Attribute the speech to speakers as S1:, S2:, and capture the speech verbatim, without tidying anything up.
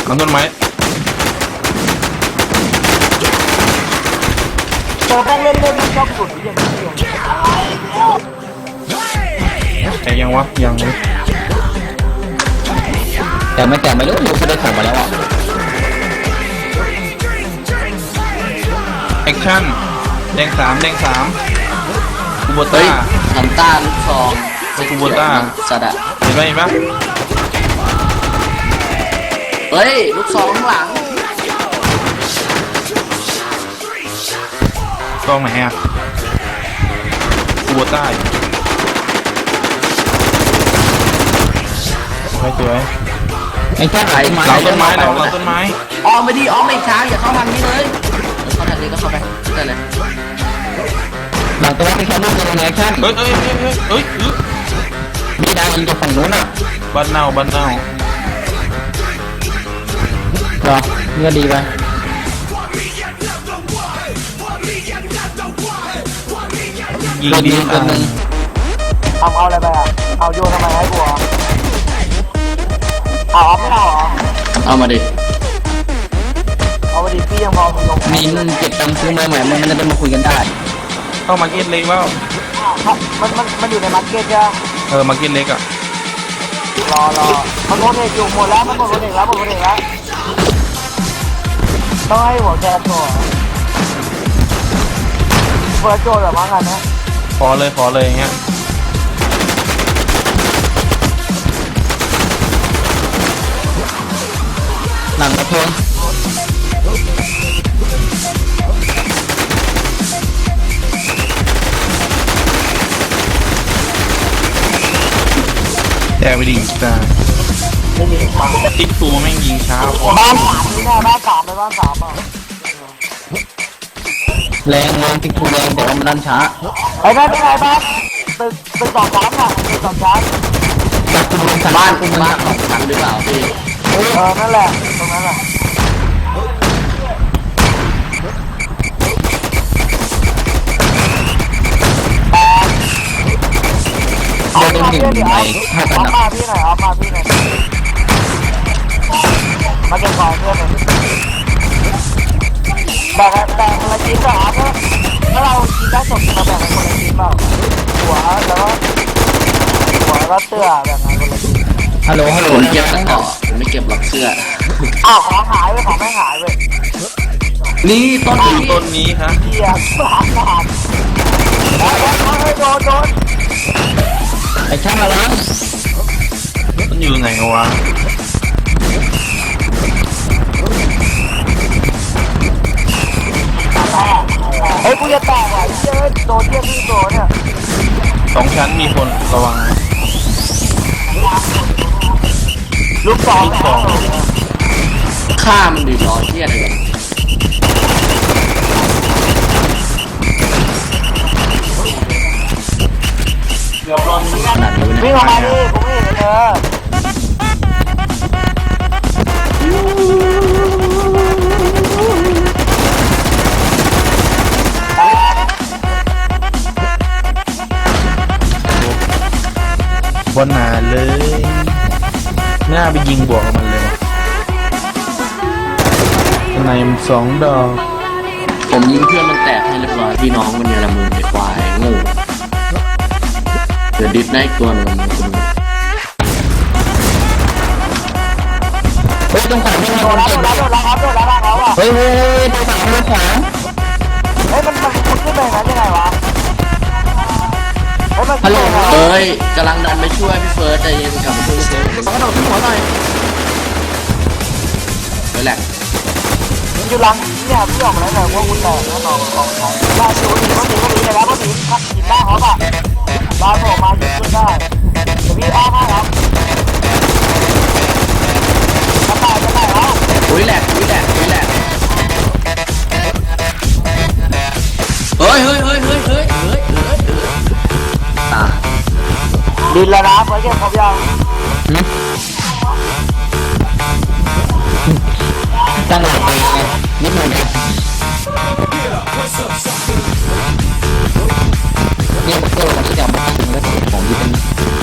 S1: ลังต้นไม้
S2: ตัวแม่งเล่นเล่นมันชอบสุดอย่างนี้
S1: แต่ยังวะยังเลย
S3: แต่ไม่แต่ไม่รู้รู้จะได้ของมาแล้วอ่ะ
S1: แอคชั่นแดงสามแดงสามคูโบต้า
S3: น้ำตาลูกซอง
S1: คูโบต้า
S3: สัตว์อะ
S1: เห็นไหมเห็นปะ
S3: เฮ้ยลูกซองข้างหลัง
S1: กล้องไหนอะคูโบต้าสวยสวย
S3: ไอ้แค่ไหน
S1: เราต้นไม้เราเราต้นไม้
S3: ออมไปดิออมไม่ช้าอย่าเข้าทางนี้เลยเข้าทางนี้ก็เข้าไปได้เลยหลังตัวนี้แค่ลูกยังไงแค่
S1: เฮ้ยเฮ้ยเฮ้ยเฮ้ยเฮ้ย
S3: มีดาวยิงจากฝั่งนู้นอ่ะ
S1: บ้านเน่าบ้านเน่า
S3: หรอเงื่อดีไป
S1: ยิงดีอันนึง
S2: เอาเอาอะไรไปอ่ะเอาโยนทำไมให้กูอ่ะเอาเอาไม่เอาเหรอ
S3: เอามาดิ
S2: เอามาดิพี่ยังพอมีลง
S3: มีเงินเก็บตังค์ซื้อมาใหม่มันจะได้มาคุยกันได้
S1: เข้ามาเก็ตเล็กแล้ว
S2: มันมันมันอยู่ในมาร์เก็ตใช่ไหม
S1: เออมาเก็ตเล็กอ่ะ
S2: รอรอมันโมเดลอยู่หมดแล้วมันหมดโมเดลแล้วหมดโมเดลแล้วต้องให้หัวแกโชว์เปิดโจทย์แบบว่างันนะ
S1: ขอเลยขอเลยอย่างเงี้ย
S3: หลังกระเพื่อม
S1: แต่ไปดิจ้าติ๊กตัวแม่งยิงช้า
S2: บ้านสามนี่แน่บ้านสามไปบ้านสามอ่ะ
S3: แรงแรงติ๊กตัวแรงแต่ว่ามันดันช้า
S2: ไอ้บ้านเป็นไงบ้านตึกตึกสองชั้นอ่ะตึกสองชั้น
S3: บ้านคุณบ้านสองชั้นหรือเปล่าพี่
S2: เออนั่นแหละตรงนั้นแหละ
S3: เอาตรงหนึ่งในห้าพัน
S2: มาพี่หน่อยเอามาพี่หน่อยมาเก็บของเพื่อนหน่อยแบ่งแบ่งคนละชิ้นก่อนครับถ้าเรากินได้สดมาแบ่งกันคนละชิ้นเปล่าหัวแล้วก็หัวแล้วก็เสื้อแบ่งกันคนละชิ้น
S3: ฮัลโหลฮัลโหลผมเก็บต่อผมไม่เก็บหรอกเสื้อ
S2: อ้าวของหายไปของไม่หายไป
S3: นี่ต้นนี้
S1: ต้นนี้ครับ
S2: เกียร์สามบาทแล้วแล้วโดนโดน
S3: ไอ้ช่างอะไร
S1: มันอยู่ไหนวะ
S2: เฮ้ยกูจะแตกว่ะเยอะโดนเทียบที่โดนเนี่ย
S1: สองชั้นมีคนระวัง
S2: ลูกสอง
S3: ข้ามันดีร้อนเทียอะไรกัน
S2: วิ่งออกมาดิผมไม่เห็นเธอ
S1: บนหนาเลยหน้าไปยิงบวกกับมันเลยในมันสองดอก
S3: ผมยิงเพื่อนมันแตกให้เรียบร้อยพี่น้องมันเนี่ยละมือเด็กควายงูเดือดดิดได้ตัวนึงเฮ้ยตรงขวาไม่มีคนเก็บ
S2: โดนแล้วโดนแล้วครับโดนแล้วครับอ่ะ
S3: เฮ้ยเฮ้ยตรงขวาตรงขวา
S2: เฮ้ยมันมันคุณขึ้นไปงั้นยังไงวะ
S3: ฮัลโหลเฮ้ยกำลังดันไปช่วยพี่เฟิร์สใจเย็นกลับมาช่วยพี่เฟิร์สมันกระโดดขึ้นหัวหน่อยเฮ้ยแหละ
S2: อยู่หลังเนี่ยพี่ออกมาแล้วแต่ว่าคุณแตกนะน้องของน้องได้ชิวดีก็ดีก็ดีเลยแล้วก็ดีครับกินได้เขาป่ะได้ผมมาหยุดขึ้นได้เดี๋ยวพี่อ้อมให้ครับจะตายจะตายแล้ว
S3: อุ้ยแหลกอุ้ยแหลกอุ้ยแหลกเฮ้ยเฮ้ยเฮ้ยเฮ้ยเฮ้ยเฮ้ยเฮ้ยตา
S2: ดินแล้วนะเพื่อนเก็บครบยัง
S3: ตั้งหลักไปนิดหน่อยเนี่ยเกิดที่จะมาตั้งแล้วของที่เป็น